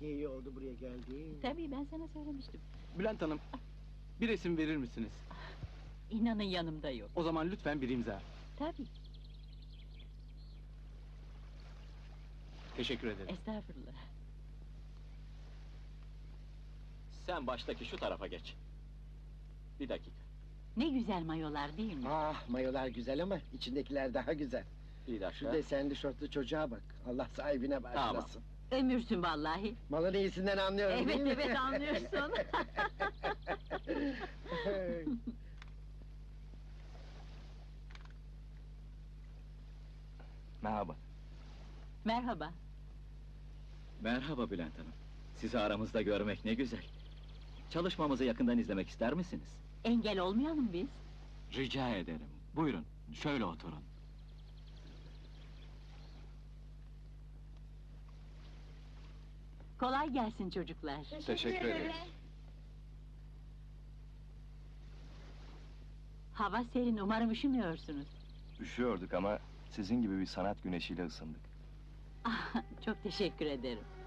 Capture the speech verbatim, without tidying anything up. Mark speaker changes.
Speaker 1: Ne iyi oldu buraya geldiğin.
Speaker 2: Tabii ben sana söylemiştim.
Speaker 3: Bülent Hanım, bir resim verir misiniz?
Speaker 2: İnanın yanımda yok.
Speaker 3: O zaman lütfen bir imza.
Speaker 2: Tabii,
Speaker 3: Teşekkür ederim.
Speaker 2: estağfurullah.
Speaker 4: Sen baştaki şu tarafa geç. Bir dakika,
Speaker 2: Ne güzel mayolar değil mi?
Speaker 1: Ah, mayolar güzel ama içindekiler daha güzel.
Speaker 4: bir
Speaker 1: Şu
Speaker 4: dakika.
Speaker 1: desenli şortlu çocuğa bak. Allah sahibine bağışlasın.
Speaker 2: Ömürsün vallahi.
Speaker 1: Malın iyisinden anlıyorum
Speaker 2: Evet
Speaker 1: değil mi?
Speaker 2: evet anlıyorsun.
Speaker 5: Merhaba.
Speaker 2: Merhaba.
Speaker 4: Merhaba Bülent Hanım. Sizi aramızda görmek ne güzel. Çalışmamızı yakından izlemek ister misiniz?
Speaker 2: Engel olmayalım biz.
Speaker 4: Rica ederim. Buyurun, şöyle oturun.
Speaker 2: Kolay gelsin çocuklar.
Speaker 5: Teşekkür ederiz.
Speaker 2: Hava serin, umarım üşümüyorsunuz.
Speaker 5: Üşüyorduk ama sizin gibi bir sanat güneşiyle ısındık.
Speaker 2: Ah, çok teşekkür ederim.